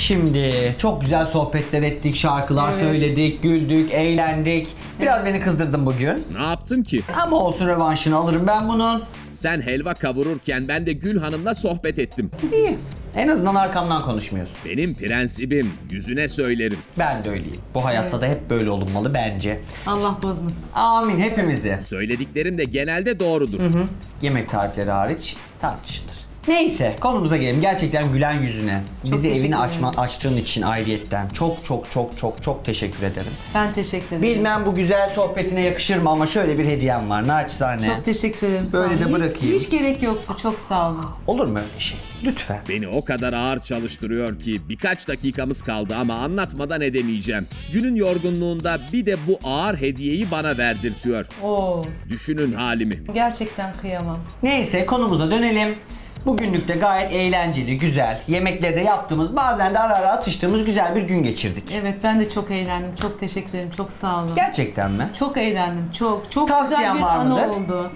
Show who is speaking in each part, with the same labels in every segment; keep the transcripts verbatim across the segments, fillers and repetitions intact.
Speaker 1: Şimdi çok güzel sohbetler ettik, şarkılar
Speaker 2: Evet.
Speaker 1: söyledik, güldük, eğlendik. Biraz beni kızdırdın bugün.
Speaker 3: Ne yaptın ki?
Speaker 1: Ama olsun, rövanşını alırım ben bunun.
Speaker 3: Sen helva kavururken ben de Gül Hanım'la sohbet ettim.
Speaker 1: İyi. En azından arkamdan konuşmuyorsun.
Speaker 3: Benim prensibim, yüzüne söylerim.
Speaker 1: Ben de öyleyim. Bu hayatta da hep böyle olunmalı bence.
Speaker 2: Allah bozmasın.
Speaker 1: Amin hepimizi.
Speaker 3: Söylediklerim de genelde doğrudur.
Speaker 1: Yemek tarifleri hariç tartışılır. Neyse, konumuza gelelim. Gerçekten gülen yüzüne. Bizi
Speaker 2: teşekkür
Speaker 1: evini
Speaker 2: ederim.
Speaker 1: açma, açtığın için ayrıyetten çok çok çok çok çok teşekkür ederim.
Speaker 2: Ben teşekkür ederim.
Speaker 1: Bilmem bu güzel sohbetine yakışır mı ama şöyle bir hediyem var naçizane.
Speaker 2: Çok teşekkür ederim. sağ
Speaker 1: Böyle
Speaker 2: olun.
Speaker 1: de
Speaker 2: Hiç-
Speaker 1: bırakayım.
Speaker 2: Hiç, gerek yoktu. Çok sağ olun.
Speaker 1: Olur mu öyle şey? Lütfen.
Speaker 3: Beni o kadar ağır çalıştırıyor ki birkaç dakikamız kaldı ama anlatmadan edemeyeceğim. Günün yorgunluğunda bir de bu ağır hediyeyi bana verdirtiyor.
Speaker 2: Oo,
Speaker 3: Düşünün halimi.
Speaker 2: gerçekten kıyamam.
Speaker 1: Neyse, konumuza dönelim. Bugünlük de gayet eğlenceli, güzel. Yemekleri de yaptığımız, bazen de ara ara atıştığımız güzel bir gün geçirdik.
Speaker 2: Evet, ben de çok eğlendim. Çok teşekkür ederim. Çok sağ olun.
Speaker 1: Gerçekten mi?
Speaker 2: Çok eğlendim. Çok çok
Speaker 1: Tavsiyen
Speaker 2: güzel bir
Speaker 1: var
Speaker 2: anı
Speaker 1: mıdır?
Speaker 2: oldu.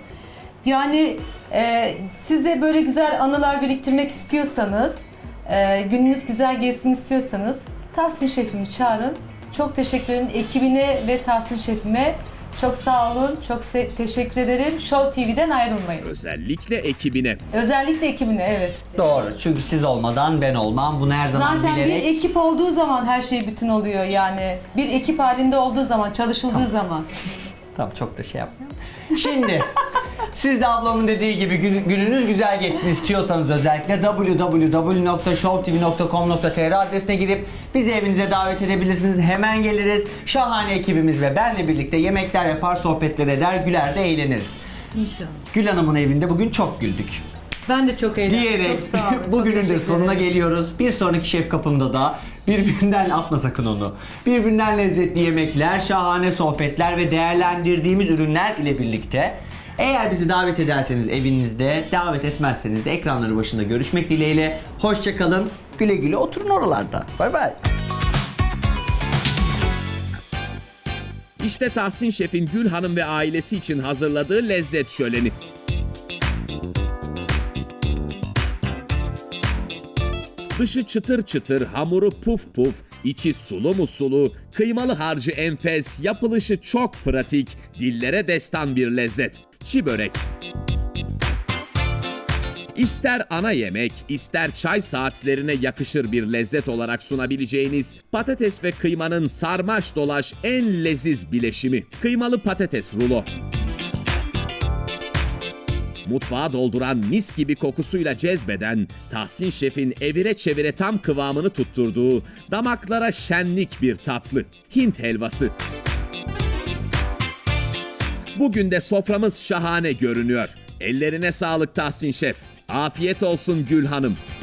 Speaker 2: Yani e, siz de böyle güzel anılar biriktirmek istiyorsanız, e, gününüz güzel geçsin istiyorsanız Tahsin Şef'imi çağırın. Çok teşekkür ederim ekibine ve Tahsin Şef'ime. Çok sağ olun. Çok se- teşekkür ederim. Show T V'den ayrılmayın.
Speaker 3: Özellikle ekibine.
Speaker 2: Özellikle ekibine, evet.
Speaker 1: Doğru. Çünkü siz olmadan ben olmam. Bunu her zaman
Speaker 2: Zaten
Speaker 1: bilerek...
Speaker 2: bir ekip olduğu zaman her şey bütün oluyor yani. Bir ekip halinde olduğu zaman, çalışıldığı zaman.
Speaker 1: Tamam, çok da şey yapmayalım. Şimdi siz de ablamın dediği gibi gün- gününüz güzel geçsin istiyorsanız özellikle double-u double-u double-u nokta show t v nokta com nokta t r adresine girip bizi evinize davet edebilirsiniz. Hemen geliriz. Şahane ekibimiz ve benle birlikte yemekler yapar, sohbetler eder, güler de eğleniriz.
Speaker 2: İnşallah.
Speaker 1: Gül Hanım'ın evinde bugün çok güldük.
Speaker 2: Ben de çok eğlendim.
Speaker 1: Diyerek
Speaker 2: Çok sağ olun. çok
Speaker 1: bugünün de
Speaker 2: teşekkür
Speaker 1: sonuna
Speaker 2: ederim.
Speaker 1: geliyoruz. Bir sonraki şef kapımda da birbirinden atma sakın onu. Birbirinden lezzetli yemekler, şahane sohbetler ve değerlendirdiğimiz ürünler ile birlikte. Eğer bizi davet ederseniz evinizde, davet etmezseniz de ekranları başında görüşmek dileğiyle. Hoşça kalın. Güle güle oturun oralarda. Bay bay.
Speaker 3: İşte Tahsin Şef'in Gül Hanım ve ailesi için hazırladığı lezzet şöleni. Dışı çıtır çıtır, hamuru puf puf, içi sulu mu sulu, kıymalı harcı enfes, yapılışı çok pratik, dillere destan bir lezzet. Çi börek. İster ana yemek, ister çay saatlerine yakışır bir lezzet olarak sunabileceğiniz patates ve kıymanın sarmaş dolaş en leziz bileşimi. Kıymalı patates rulo. Mutfağa dolduran mis gibi kokusuyla cezbeden, Tahsin Şef'in evire çevire tam kıvamını tutturduğu, damaklara şenlik bir tatlı. Hint helvası. Bugün de soframız şahane görünüyor. Ellerine sağlık Tahsin Şef. Afiyet olsun Gül Hanım.